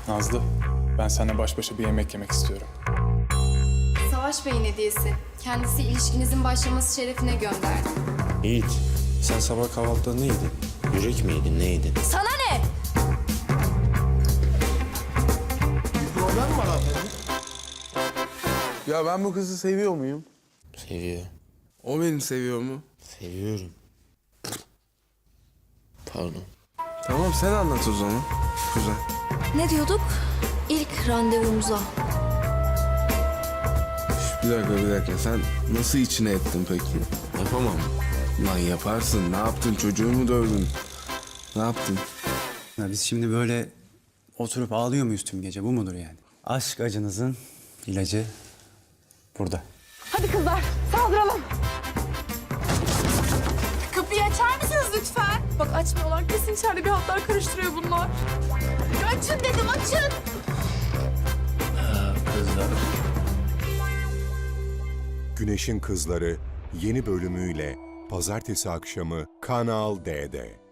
Nazlı, ben seninle baş başa bir yemek yemek istiyorum. Savaş Bey'in hediyesi. Kendisi ilişkinizin başlaması şerefine gönderdi. Yiğit, sen sabah kahvaltıda ne yedin? Yürek mi yedin, ne yedin? Sana ne? Problem var abi. Ya ben bu kızı seviyor muyum? Seviyor. O beni seviyor mu? Seviyorum. Pardon. Tamam sen anlat o zaman. Güzel. Ne diyorduk? İlk randevumuza. Bir dakika. Sen nasıl içine ettin peki? Yapamam. Lan yaparsın. Ne yaptın? Çocuğu mu dövdün? Ne yaptın? Ya biz şimdi böyle oturup ağlıyor muyuz tüm gece? Bu mudur yani? Aşk acınızın ilacı burada. Hadi kızlar saldıralım. Kapıyı açar mısınız lütfen? Bak açmıyorlar. Kesin içeride bir hatlar karıştırıyor bunlar. Ya açın dedim açın. Güneşin Kızları yeni bölümüyle pazartesi akşamı Kanal D'de.